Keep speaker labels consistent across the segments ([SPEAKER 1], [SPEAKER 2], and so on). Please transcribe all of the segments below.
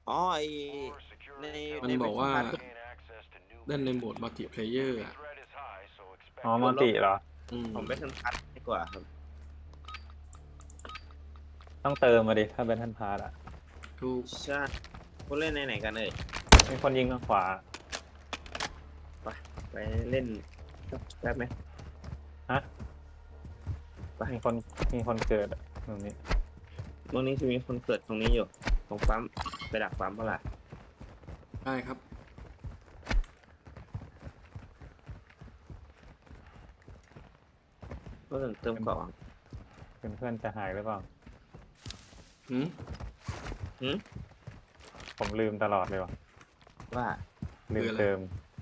[SPEAKER 1] อ๋อไอใน
[SPEAKER 2] มันบอกว่า
[SPEAKER 1] แพทก็
[SPEAKER 2] เล่นในโหมดมัลติเพลเยอร์อ่ะ
[SPEAKER 3] อ๋อมัลติเหรอ
[SPEAKER 1] ผมไปทันพัทดีกว่าครับ
[SPEAKER 3] ต้องเติมมาดิถ้าเป็นทันพาร์ตอ่ะ
[SPEAKER 2] ถูก
[SPEAKER 1] ใช่พวกเล่นในไหนกันเอ่ย
[SPEAKER 3] มีคนยิงทางขวา
[SPEAKER 1] ไปเล่นแป๊บไหม
[SPEAKER 3] ฮะ
[SPEAKER 1] ไป
[SPEAKER 3] มีคนเกิดอะตรงนี้
[SPEAKER 1] ตรงนี้จะมีคนเกิดตรงนี้อยู่ตรงปั๊มไปดักปั๊มเปล่า
[SPEAKER 2] ได้ครับ
[SPEAKER 1] ก็เติมก่อน
[SPEAKER 3] เพื่อนจะหายหรือเปล่า
[SPEAKER 2] หืม
[SPEAKER 3] ผมลืมตลอดเลยว่ะ
[SPEAKER 1] ว่า
[SPEAKER 3] ลืมเติม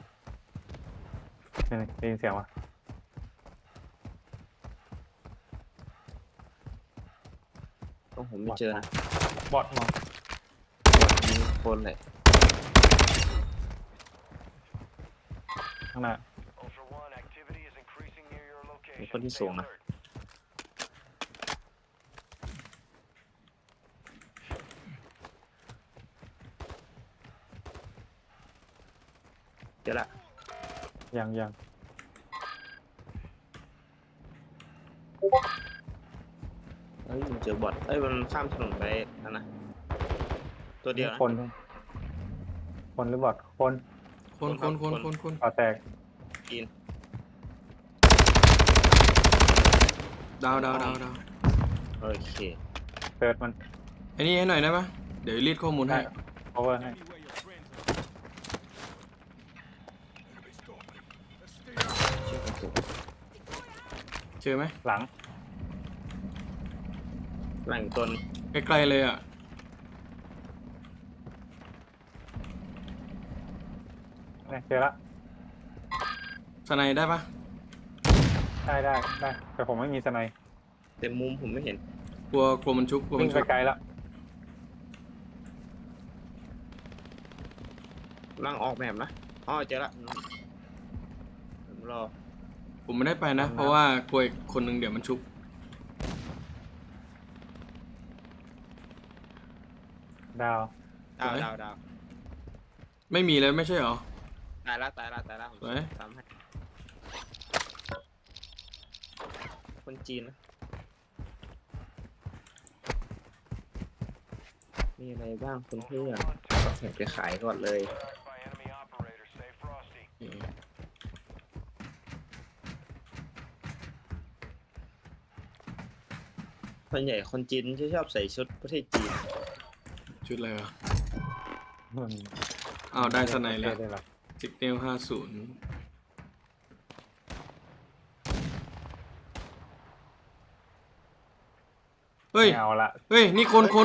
[SPEAKER 3] นี่ได้ยินเสียงวะ
[SPEAKER 1] ต้องผมไม่เจอนะ
[SPEAKER 3] บอทมอง
[SPEAKER 1] ยิงคนเลย
[SPEAKER 3] ข้างหน้า
[SPEAKER 1] มีคนที่สูงนะเจอละ
[SPEAKER 3] ยัง
[SPEAKER 1] เฮ้ยมันเจอบอทเอ้ยมันข้ามถนนไปนั่นนะตัวเดียวนะ
[SPEAKER 3] คนหรือบอทคนต่อแตก
[SPEAKER 1] กิน
[SPEAKER 2] ดาว
[SPEAKER 1] โอเค
[SPEAKER 3] เติร์ดมัน
[SPEAKER 2] ไอ้นี่ให้หน่อยได้ปะเดี๋ยวรีดข้อมูลให้
[SPEAKER 3] โอเวอร์ให้
[SPEAKER 2] เจอไหม
[SPEAKER 3] หลัง
[SPEAKER 1] ตน
[SPEAKER 2] ใกล้ๆเลยอ่ะ
[SPEAKER 3] เจอละ
[SPEAKER 2] สไนได้ปะ
[SPEAKER 3] ได้แต่ผมไม่มีสไนด์
[SPEAKER 1] เต็มมุมผมไม่เห็น
[SPEAKER 2] กลัวมันชุบ
[SPEAKER 3] วิ่งไปไกลแล้ว
[SPEAKER 1] ล่างออกแบบนะอ๋อเจอละผมรอ
[SPEAKER 2] ผมไม่ได้ไปนะเพราะว่ากลัวคนหนึ่งเดี๋ยวมันชุบ
[SPEAKER 3] ดาว
[SPEAKER 2] ไม่มีเลยไม่ใช่หรอ
[SPEAKER 1] ตายละผมทำให้คนจีนนะมีอะไรบ้างคุณเพื่อนเห็นไปขายก่อนเลยส่วนใหญ่คนจีนชอบใส่ชุดประเทศจีน
[SPEAKER 2] ชุดอะไรวะอ้าวได้สไนแล้วซิกเนล50เฮ้ย
[SPEAKER 3] เอาละ
[SPEAKER 2] เฮ้ยนี่คน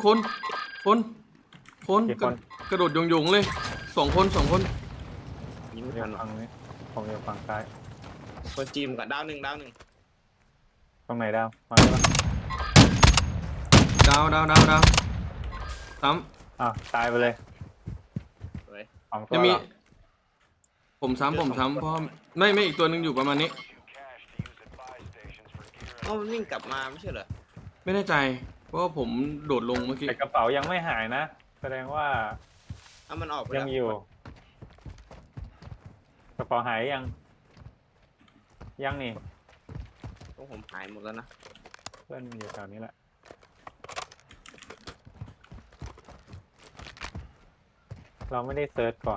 [SPEAKER 2] กระโดดยงเลยสองคน
[SPEAKER 1] ยิงไม่ทันหรอ
[SPEAKER 3] ผมอยู่ฝั่งซ้าย
[SPEAKER 1] คนจีนกับดาวหนึ่ง
[SPEAKER 3] ตรงไหนดาวมาได้ปะ
[SPEAKER 2] ดาวซ้
[SPEAKER 3] ตายไปเลย
[SPEAKER 2] จะมีผมซ้ำเพราะไม่อีกตัวหนึ่งอยู่ประมาณนี้
[SPEAKER 1] มันวิ่งกลับมาไม่ใช่เหรอ
[SPEAKER 2] ไม่แน่ใจเพราะว่าผมโดดลงเมื่อกี้
[SPEAKER 3] แต่กระเป๋ายังไม่หายนะแสดงว่า
[SPEAKER 1] มันออกไป
[SPEAKER 3] ยังอยู่กระเป๋าหายยังนี่
[SPEAKER 1] ต้องผมหายหมดแล้วนะ
[SPEAKER 3] เพื่อนอยู่แถวนี้แหละเราไม่ได้เซิร์ชก่อน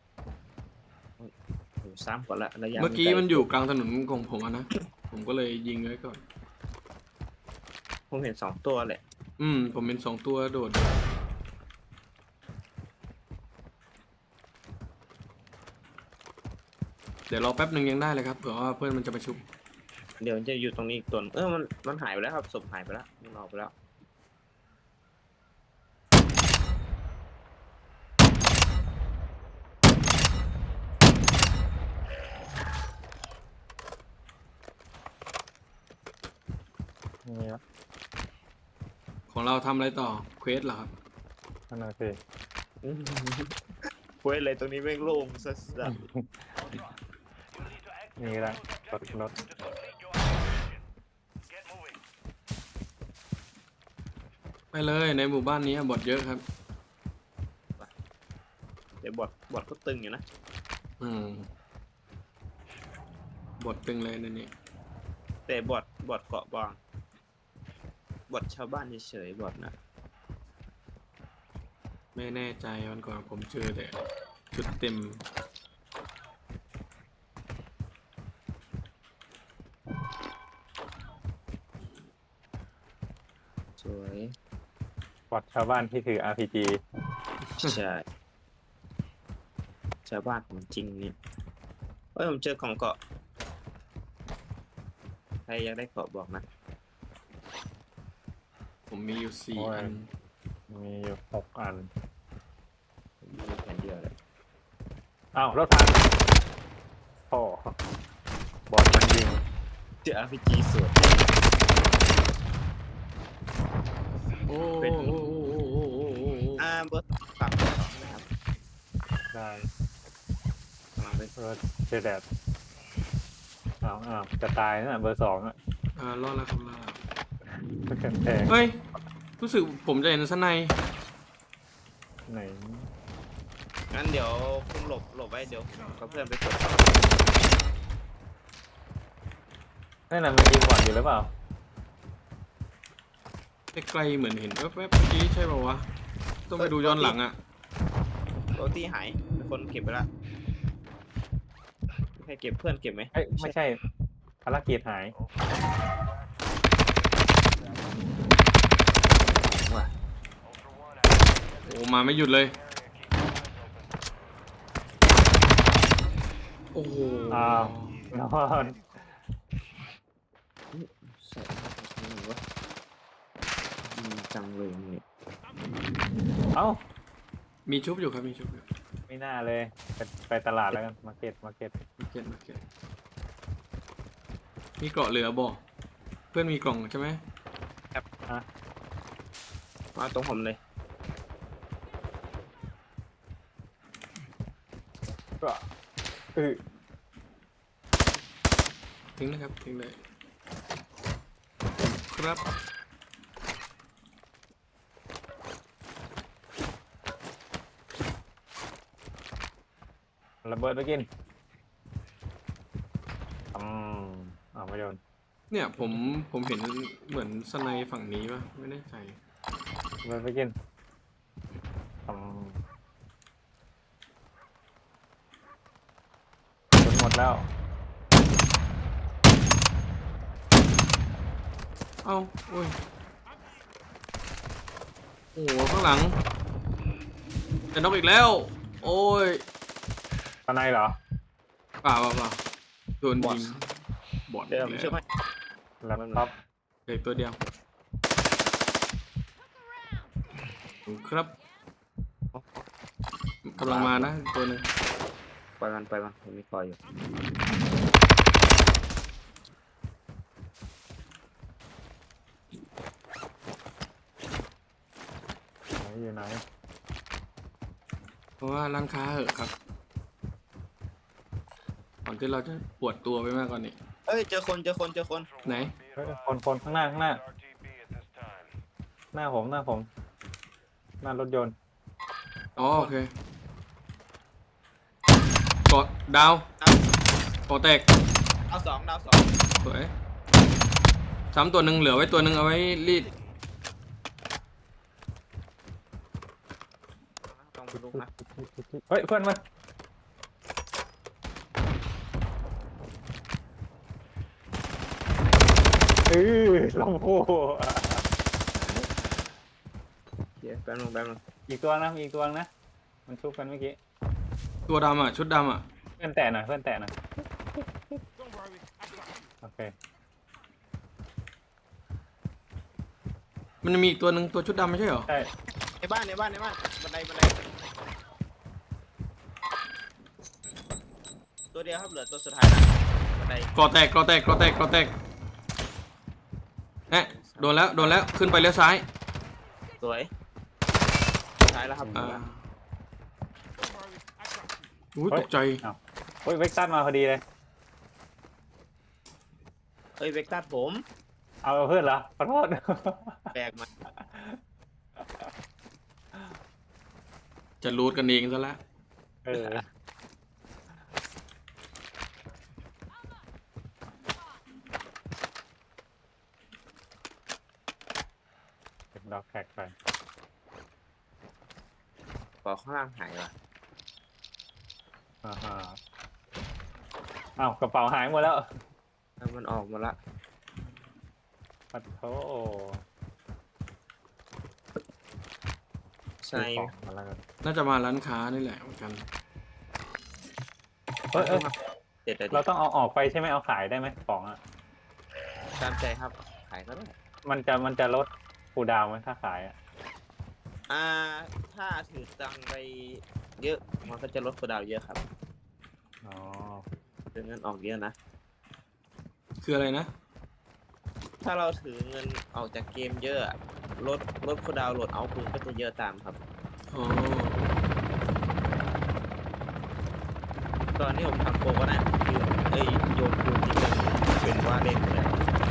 [SPEAKER 1] ผมซ้ำก่อนละระยะ
[SPEAKER 2] เมื่อกี้มันอยู่กลางถนนของผมนะผมก็เลยยิงไว้ก่อน
[SPEAKER 1] ผมเห็น2 ตัวแหละ
[SPEAKER 2] ผมเป็น2 ตัวโดดเดี๋ยวรอแป๊บหนึ่งยังได้เลยครับเผื่อว่าเพื่อนมันจะมาชุบ
[SPEAKER 1] เดี๋ยวจะอยู่ตรงนี้อีกตัวมันหายไปแล้วครับศพหายไปแล้วมันออกไปแล้ว
[SPEAKER 3] นี่ครับ
[SPEAKER 2] ของเราทำอะไรต่อเควสเหรอครับ
[SPEAKER 3] นั่นน่ะสิ
[SPEAKER 1] เว้ยอะไรตรงนี้แม่งโล่งสัส
[SPEAKER 3] นี่แหละรถ
[SPEAKER 2] ไปเลยในหมู่บ้านนี้บอทเยอะครับ
[SPEAKER 1] แต่บอทก็ตึงอยู่นะ
[SPEAKER 2] อืมบทตึงเลยนั่นนี่
[SPEAKER 1] แต่บอทเกาะบางบอทชาวบ้านเฉยๆบอทนะ
[SPEAKER 2] ไม่แน่ใจวันก่อนผมเจอแต่ชุดเต็ม
[SPEAKER 1] สวย
[SPEAKER 3] บอดชาวบ้านที่ถือ RPG
[SPEAKER 1] ใช่ชาวบ้านของจริงนี่เฮ้ยผมเจอกล่องเกาะใครอยากได้เกาะบอกนะ
[SPEAKER 2] ผมมีอยู่4
[SPEAKER 3] โอ้ย
[SPEAKER 2] อัน
[SPEAKER 3] มีอยู่6 อัน
[SPEAKER 1] ผมมีแผ่นเดียวเลย
[SPEAKER 3] อ้าวรถพังโอ้บอดมันยิง
[SPEAKER 1] เจอ RPG สวย
[SPEAKER 2] โอ้
[SPEAKER 1] เป็น
[SPEAKER 2] โอ้โอ้โอ้โอ้โอ้โอ้
[SPEAKER 1] เบอร์ฝากเบอร์2นะครับ
[SPEAKER 3] ได้
[SPEAKER 1] กำลังไป
[SPEAKER 3] รถเจอแดดอ้าวจะตายนะเบอร์ 2อ่ะ
[SPEAKER 2] รอดแล้วครับรอดแล้ว
[SPEAKER 3] แพง
[SPEAKER 2] เฮ้ย รู้สึกผมจะเห็นสไนป์
[SPEAKER 3] ไหน
[SPEAKER 1] งั้นเดี๋ยวคุณหลบไว้เดี๋ยวเขาเพื่อนไปกด
[SPEAKER 3] นั่นน่ะมันยิงบอดอยู่หรือเปล่า
[SPEAKER 2] ไกลๆเหมือนเห็นแวบๆเมื่อกี้ใช่ป่าวะ ต้องไปดูย้อนหลังอ่ะ
[SPEAKER 1] โรตี้หายมีคนเก็บไปละใครเก็บเพื่อนเก็บไหม
[SPEAKER 3] เอ้ยไม่ใช่ภารกิจหาย
[SPEAKER 2] โอ้มาไม่หยุดเลย โอ้โห
[SPEAKER 3] อ้าวนอน
[SPEAKER 1] ใส่หนูวะจังเลยนี่
[SPEAKER 3] เอ้า
[SPEAKER 2] มีชุบอยู่ครับ มีชุบอยู่
[SPEAKER 3] ไม่น่าเลยไปตลาดแล้วกันมาร์เก็ต
[SPEAKER 2] มาเก็ตมีเกราะเหลือบอกเพื่อนมีกล่องใช่ไหม
[SPEAKER 1] มาตรงผมเลย
[SPEAKER 3] ก็เออ
[SPEAKER 2] ทิ้งนะครับ ทิ้งเลย ครับ
[SPEAKER 3] ระเบิดไปกินไม่โดน
[SPEAKER 2] เนี่ยผมเห็นเหมือนสไนฝั่งนี้ป่ะ ไม่แน่ใจ
[SPEAKER 3] ระเบิดไปกินจนหมดแล้ว
[SPEAKER 2] เอ้าโอ้ย โอ้โห ข้างหลัง จะนกอีกแล้ว โอ้ย
[SPEAKER 3] ตอนไหนเหรอ
[SPEAKER 2] เปล่าโดนยิงบอด
[SPEAKER 1] เดี๋ยวผม
[SPEAKER 2] แล้ว
[SPEAKER 1] ช่วยไหม
[SPEAKER 3] แล็ปท็อป
[SPEAKER 2] เหลือตัวเดียวครับกำลังมานะตัวหนึ่ง
[SPEAKER 1] ไปมันผมมีคอยอยู่
[SPEAKER 3] อยู่ไหน
[SPEAKER 2] เพราะว่าร้านค้าเหอะครับก่อนที่เราจะปวดตัวไปมากกว่านี้
[SPEAKER 1] เอ้ยเจอคน
[SPEAKER 2] ไหน
[SPEAKER 3] เฮ้ยคนข้างหน้า หน้าผม หน้ารถยนต์
[SPEAKER 2] อ๋อโอเคกดดาวกดแตก
[SPEAKER 1] ดาวสอง
[SPEAKER 2] สวยซ้ำตัวหนึ่งเหลือไว้ตัวหนึ่งเอาไว้รีด
[SPEAKER 1] ต้องไปลุกนะ
[SPEAKER 3] เฮ้ยเพื่อนมันลำโพ
[SPEAKER 1] เดี๋ยวแป๊บนึง
[SPEAKER 3] อีกตัวนะมีอีกตัวนะ มันชุบกันเมื่อกี้
[SPEAKER 2] ตัวดำอ่ะชุดดำอ่ะ
[SPEAKER 3] เพื่อนแตะหน่อยโอเค
[SPEAKER 2] มันจะมีอีกตัวหนึ่งตัวชุดดำไม่ใช่เหรอ
[SPEAKER 3] ใช่
[SPEAKER 1] ในบ้านบันไดตัวเดียวครับเหลือตัวสุดท้ายนะบันได
[SPEAKER 2] กอแตกเอ๊ะโดนแล้วขึ้นไปเลี้ยวซ้าย
[SPEAKER 1] สวยท้ายแล้วครับ
[SPEAKER 2] อุ้ยตกใจ
[SPEAKER 3] เฮ้ยเวกตัสมาพอดีเลย
[SPEAKER 1] เอ้ยเวกตัสผม
[SPEAKER 3] เอาเพื่อนเหรอขอโทษ
[SPEAKER 1] แบกมา
[SPEAKER 2] จะรูดกันเองซะแล้ว
[SPEAKER 3] เออเก็บดอกแท็กไป
[SPEAKER 1] ปอข้างล่างหายว่ะ
[SPEAKER 3] อ่าฮะอ้าวกระเป๋าหายหมดแล้ว
[SPEAKER 1] แล้วมันออกมาละ
[SPEAKER 3] ปัดโถ
[SPEAKER 1] ใช่
[SPEAKER 3] ซื้อของมาแล้วกัน
[SPEAKER 2] น่าจะมาร้านค้านี่แหละเหมือนกัน
[SPEAKER 3] เอ้ย
[SPEAKER 1] เด็ดเลย
[SPEAKER 3] เราต้องเอาออกไปใช่ไหมเอาขายได้ไหมของอ่ะ
[SPEAKER 1] ตามใจครับ ขายก็ได้
[SPEAKER 3] มันจะลดคูลดาวน์ไหมถ้าขายอ่ะ
[SPEAKER 1] ถ้าถือตังค์ไปเยอะมันก็จะลดคูลดาวน์เยอะครับ
[SPEAKER 3] อ๋อ
[SPEAKER 1] ถือเงินออกเยอะนะ
[SPEAKER 2] คืออะไรนะ
[SPEAKER 1] ถ้าเราถือเงินออกจากเกมเยอะอะลดคูลดาวน์โหลดเอาท์ปืนก็จะเยอะตามครับ
[SPEAKER 2] อ๋อ
[SPEAKER 1] ตอนนี้ผมทำโปรก็ได้คือโยนปืนที่เป็นว่าเล่นเลย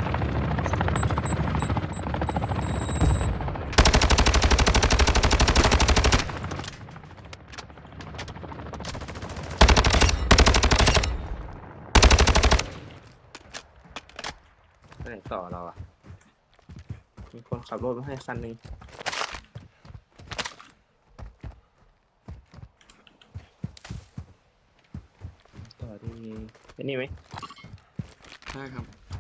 [SPEAKER 1] ไปไหนต่อเราอ่ะ มีคนขับรถมาให้คันหนึ่งต่อที่ไอ้นี่ไหม
[SPEAKER 2] ได้ครับ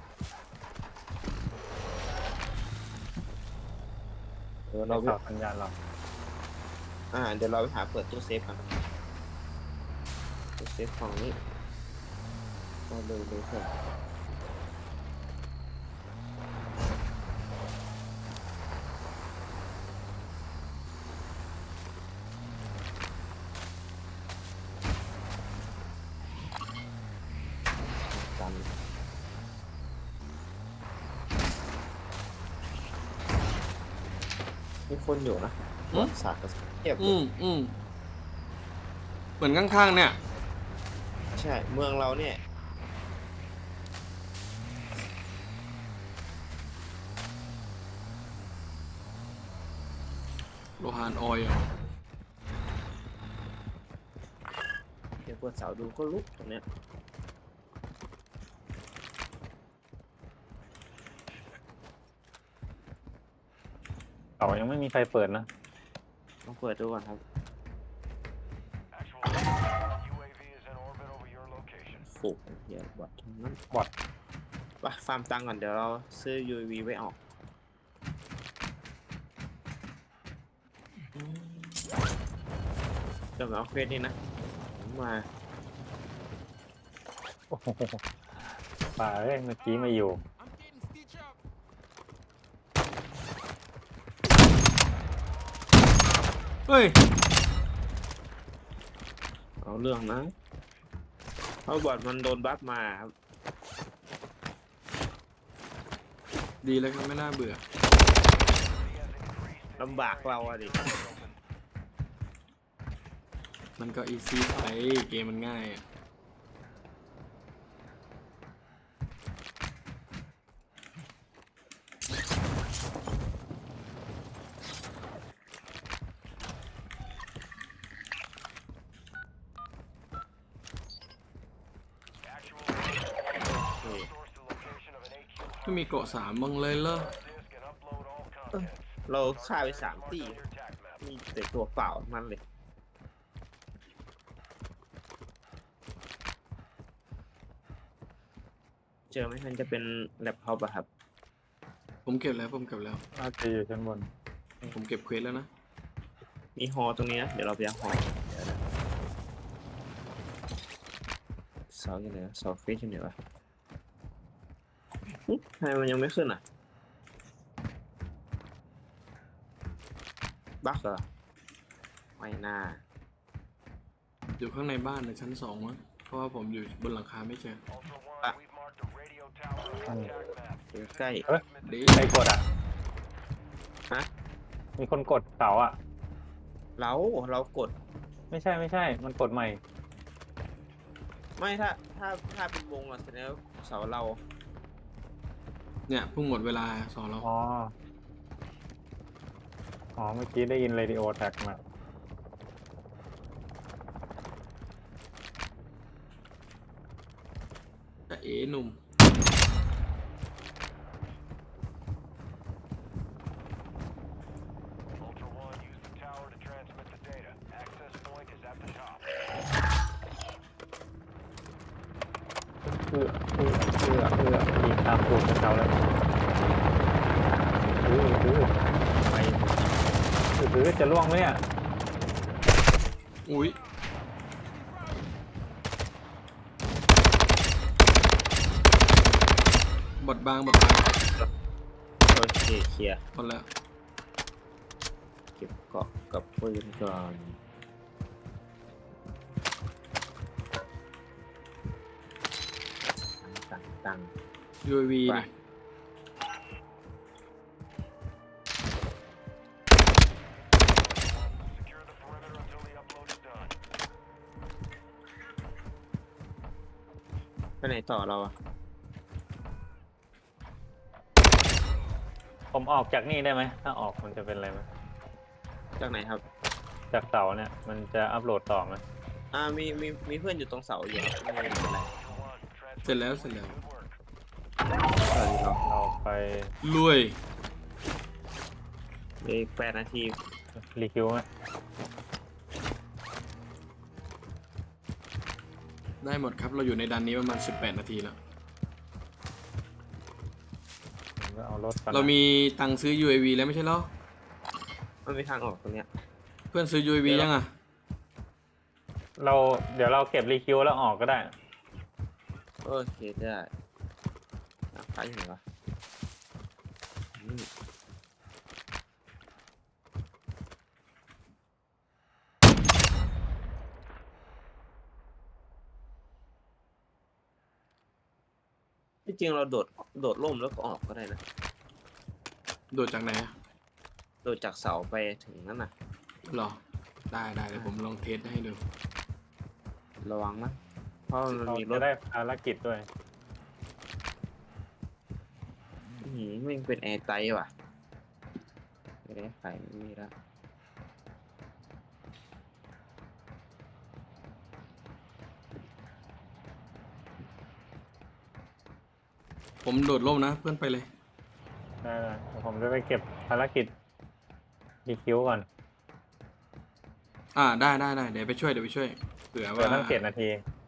[SPEAKER 1] เดี๋ยว
[SPEAKER 3] เรา
[SPEAKER 1] เรา
[SPEAKER 3] สอบสัญญาณเรา
[SPEAKER 1] เดี๋ยวเราไปหาเปิดตู้เซฟกันตู้เซฟของนี้เอาเลยเถอะกันมีคนอยู่นะ
[SPEAKER 2] อืม
[SPEAKER 1] สาดกับเทียบ
[SPEAKER 2] เหมือนข้างๆเนี่ย
[SPEAKER 1] ใช่ เมืองเราเนี่ย
[SPEAKER 2] โลหานออยล์อะ
[SPEAKER 1] เดี๋ยวเปิดเสาดูก็ลุกตรงเนี้ย
[SPEAKER 3] เขายังไม่มีใครเปิดนะ
[SPEAKER 1] ลองเปิดดูก่อนครับฝูกเหี้ยบอททั้งนั้น
[SPEAKER 3] บอท
[SPEAKER 1] ไปฟาร์มตังค์ก่อนเดี๋ยวเราซื้อ UAV ไว้ออกเดี๋ยวมาเอาเควสนี่นะผมมา
[SPEAKER 3] โอ้โหป่าเอ้ยเมื่อกี้ไม่อยู่
[SPEAKER 2] เฮ้ย
[SPEAKER 1] เอาเรื่องนะเพราะบอทมันโดนบัฟมาครับ
[SPEAKER 2] ดีแล้วครับไม่น่าเบื่อ
[SPEAKER 1] ลำบากเราอะดิ
[SPEAKER 2] มันก็อีซี่ไปเกมมันง่ายอะ ไม่มีเกาะ3บ้างเลยเหรอ
[SPEAKER 1] เราฆ่าไป3 ตีมีแต่ตัวเปล่ามันเลย เจอไหมมันจะเป็นแล็ปท็อปอะครับ
[SPEAKER 2] ผมเก็บแล้ว
[SPEAKER 3] น่าจะอยู่ชั้นบน
[SPEAKER 2] ผมเก็บเควสแล้วนะ
[SPEAKER 1] มีฮอตรงนี้นะ เดี๋ยวเราไปเอาฮอเดี๋ยวนะเสาอยู่ไหนวะเสาเฟสอยู่ไหนวะทำไมมันยังไม่ขึ้นอ่ะ บั๊กเหรอ ไม่น่า
[SPEAKER 2] อยู่ข้างในบ้านในชั้น2มั้งเพราะว่าผมอยู่บนหลังคาไม่เจอ
[SPEAKER 1] อยู่ใกล้
[SPEAKER 3] เฮ้ย
[SPEAKER 2] ดี
[SPEAKER 3] ใครกดอ่ะ
[SPEAKER 1] ฮะ
[SPEAKER 3] มีคนกดเสาอ่ะ
[SPEAKER 1] เรากด
[SPEAKER 3] ไม่ใช่ มันกดใหม่
[SPEAKER 1] ไม่ถ้าเป็นวงอะแสดงว่าเสาเรา
[SPEAKER 2] เนี่ยเพิ่งหมดเวลาสอนเรา
[SPEAKER 3] อ๋อ เมื่อกี้ได้ยินเรดิโอแท็กมา
[SPEAKER 2] แต่เอ๋หนุ่ม
[SPEAKER 4] Ultra One, use the tower to transmit the data. Access point is at the top.
[SPEAKER 3] ยิงตามตูดเขาแล้วไปจะล่วงไหมเนี่ย
[SPEAKER 2] อุ้ยบดบาง
[SPEAKER 1] โอเคเคลียร์
[SPEAKER 2] หมดแล้ว
[SPEAKER 1] เก็บเกาะกับปืนก่อนตั้ง
[SPEAKER 2] UAV
[SPEAKER 1] ไป
[SPEAKER 2] นี่
[SPEAKER 4] Secure the perimeter until the upload is done.
[SPEAKER 1] ไปไหนต่อเราอะ
[SPEAKER 3] ผมออกจากนี่ได้ไหมถ้าออกมันจะเป็นอะไรไหม
[SPEAKER 1] จากไหนครับ
[SPEAKER 3] จากเสาเนี่ยมันจะอัพโหลดต่อไหม
[SPEAKER 1] มีเพื่อนอยู่ตรงเสาอยู่ครับไม่เป็นไร
[SPEAKER 4] Ultra One, transmit
[SPEAKER 2] เสร็จแล้ว
[SPEAKER 4] good work.
[SPEAKER 1] สวัสดีครับ
[SPEAKER 3] เราไป
[SPEAKER 2] ลุย
[SPEAKER 1] อีก8 นาที
[SPEAKER 3] รีคิวไหม
[SPEAKER 2] ได้หมดครับเราอยู่ในดันนี้ประมาณ18 นาทีแล้ว
[SPEAKER 3] ผมก็เอารถก่อน
[SPEAKER 2] เรามีตังค์ซื้อ UAV แล้วไม่ใช่เหรอ
[SPEAKER 1] มันมีทางออกตรงเนี้ย
[SPEAKER 2] เพื่อนซื้อ UAV ยังอ่ะ
[SPEAKER 3] เดี๋ยวเราเก็บรีคิวแล้วออกก็ได้
[SPEAKER 1] โอเคได้ขายอยู่ไหนวะที่จริงเราโดดร่มแล้วก็ออกก็ได้นะ
[SPEAKER 2] โดดจากไหนอะ
[SPEAKER 1] โดดจากเสาไปถึงนั่นน่ะ
[SPEAKER 2] หรอ ได้เดี๋ยวผมลองเทสให้ดู
[SPEAKER 1] ระวังนะเพราะมัน
[SPEAKER 3] เรา
[SPEAKER 1] มีร
[SPEAKER 3] จะ
[SPEAKER 1] ถ
[SPEAKER 3] ได้ภารกิจด้วย
[SPEAKER 1] ไม่เป็นแอร์ไตว่ะไม่ได้ขายไม่มีแล้ว
[SPEAKER 2] ผมโดดร่มนะ เพื่อนไปเลย
[SPEAKER 3] ได้เดี๋ยวผมจะไปเก็บภารกิจรีคิวก่อน
[SPEAKER 2] ได้เดี๋ยวไปช่วยเผื่อ
[SPEAKER 3] เดี๋ยว
[SPEAKER 2] ว่า
[SPEAKER 3] ตั้ง7 นาที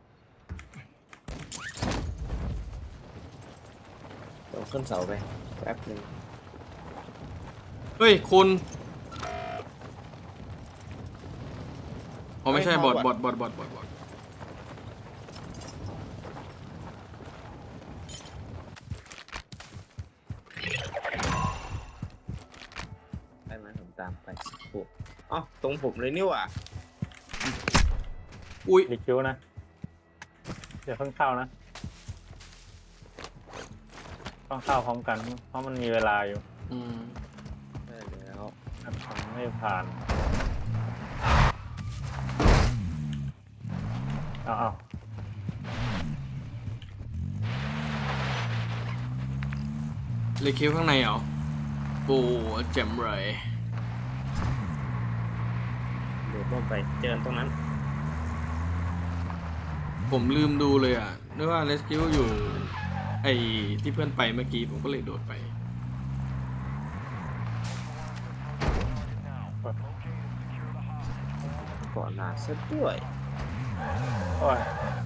[SPEAKER 1] เดี๋ยวขึ้นเสาไปแป๊บหนึง
[SPEAKER 2] เฮ้ยคุณไม่ใช่บอด
[SPEAKER 1] ได้ไหมผมตามไปสักครู่อ๋อตรงผมเลยนี่หว่า
[SPEAKER 2] อุ้ย
[SPEAKER 3] รีคิวนะ เดี๋ยวเพิ่งเข้านะ ต้องเข้าพร้อมกัน เพราะมันมีเวลาอยู่
[SPEAKER 2] อืม
[SPEAKER 1] ได้แล้ว
[SPEAKER 3] ทำไม่ผ่านเอา
[SPEAKER 2] เลยคิวข้างในเหรอโอ้เจ็มเลย
[SPEAKER 1] โดดร่มไปเจอตรงนั้น
[SPEAKER 2] ผมลืมดูเลยอ่ะนึกว่าเรสคิวอยู่ไอที่เพื่อนไปเมื่อกี้ผมก็เลยโดดไป
[SPEAKER 1] ก่อนหน้าซะด้วย
[SPEAKER 3] โอ้ย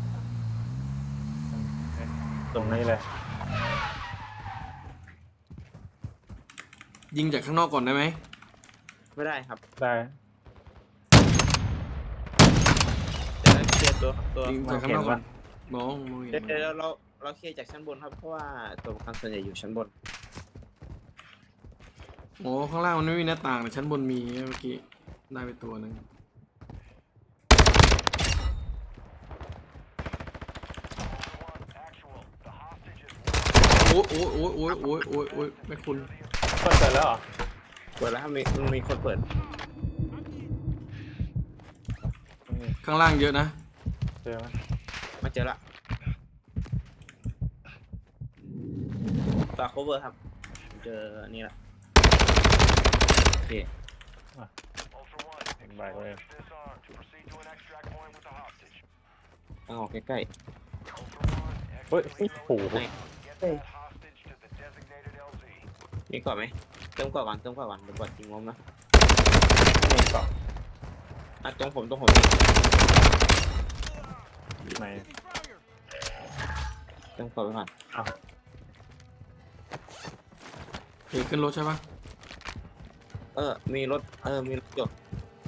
[SPEAKER 3] ตรงนี้เลย
[SPEAKER 2] ยิงจากข้างนอกก่อนได้ไหม
[SPEAKER 1] ไม่ได้ครับ
[SPEAKER 3] ได้
[SPEAKER 1] เดี๋ยวเคลียร์ตัว
[SPEAKER 2] ยิงจากข้างนอกก่อนมองเห็น
[SPEAKER 1] เดี๋ยวเราเคลียร์จากชั้นบนครับเพราะว่าตัวประกันส่วนใหญ่อยู่ชั้นบน
[SPEAKER 2] โอ้ข้างล่างมันไม่มีหน้าต่างแต่ชั้นบนมีเมื่อกี้ได้ไปตัวหนึ่งโอ้ยไม่คุณ
[SPEAKER 3] เปิดแล้วเหรอ
[SPEAKER 1] เปิดแล้วครับมันมีคนเปิด
[SPEAKER 2] ข้างล่างเยอะนะ
[SPEAKER 3] เจอไหม
[SPEAKER 1] มาเจอละฝาก cover ครับเจออันนี้ละโอเค
[SPEAKER 4] Ultra One,
[SPEAKER 3] Right, right.
[SPEAKER 4] explosives disarmed. Proceed to an extract point with the hostage.
[SPEAKER 1] ทางออกใกล้
[SPEAKER 4] Ultra One,
[SPEAKER 3] เฮ้ยโอ้โห
[SPEAKER 1] ไหน
[SPEAKER 4] Get that hostage to the designated LZ.
[SPEAKER 1] มีก่อนไหมเติมก่อนเดี๋ยวก่อนทิ้งงมนะ
[SPEAKER 3] ไม่มีเกาะ
[SPEAKER 1] อ่ะตรงผม
[SPEAKER 3] ไหน
[SPEAKER 1] เติมก่อนไปก่อน
[SPEAKER 3] อ้าว
[SPEAKER 2] เอกขึ้นรถใช่ปะ
[SPEAKER 1] มีรถจบ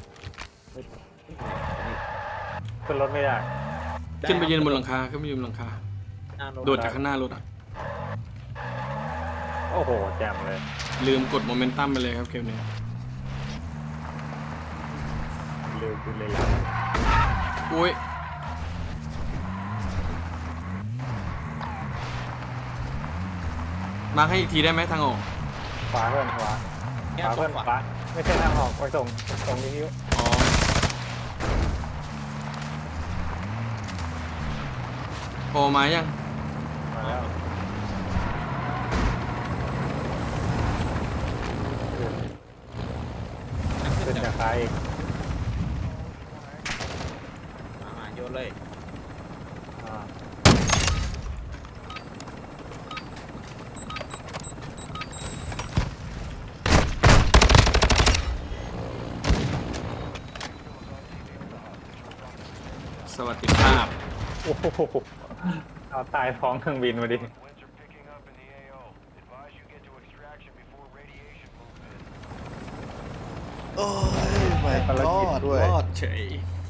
[SPEAKER 3] ขึ้นรถไม่ได้
[SPEAKER 2] ขึ้นไปยืนบนหลังคาขึ้นไปยืนบนหลังคา
[SPEAKER 1] หน้ารถ
[SPEAKER 2] โดดจากข้างหน้ารถอ่ะ
[SPEAKER 3] โอ้โหแจมเลย
[SPEAKER 2] ลืมกดโมเมนตัมไปเลยครับเกมนี้
[SPEAKER 3] เร็วขึ้นเลย
[SPEAKER 2] อุ้ยมาให้อีกทีได้ไหมทางออก
[SPEAKER 3] ขวาเพื่อนขวา
[SPEAKER 1] แค่
[SPEAKER 3] ขวา
[SPEAKER 1] ตร
[SPEAKER 3] เพื่อน
[SPEAKER 1] ง
[SPEAKER 3] ข
[SPEAKER 1] ขวาว
[SPEAKER 3] าไม่ใช่ทางออกไปส่งนิ้ว
[SPEAKER 2] อ๋อโผล่มายัง
[SPEAKER 3] มาแล้วขึ้นจากซ้ายอีก
[SPEAKER 1] โยนเลย
[SPEAKER 3] อ่า
[SPEAKER 2] สวัสดีภาพ
[SPEAKER 3] โอ้โหเอาตายท้องเครื่องบินมาดิ
[SPEAKER 4] Winds are picking up in the AO. Advise you get to extraction before radiation moves in.
[SPEAKER 5] โอ้ยไม่รอด
[SPEAKER 3] ด้วย
[SPEAKER 5] รอด
[SPEAKER 2] เฉย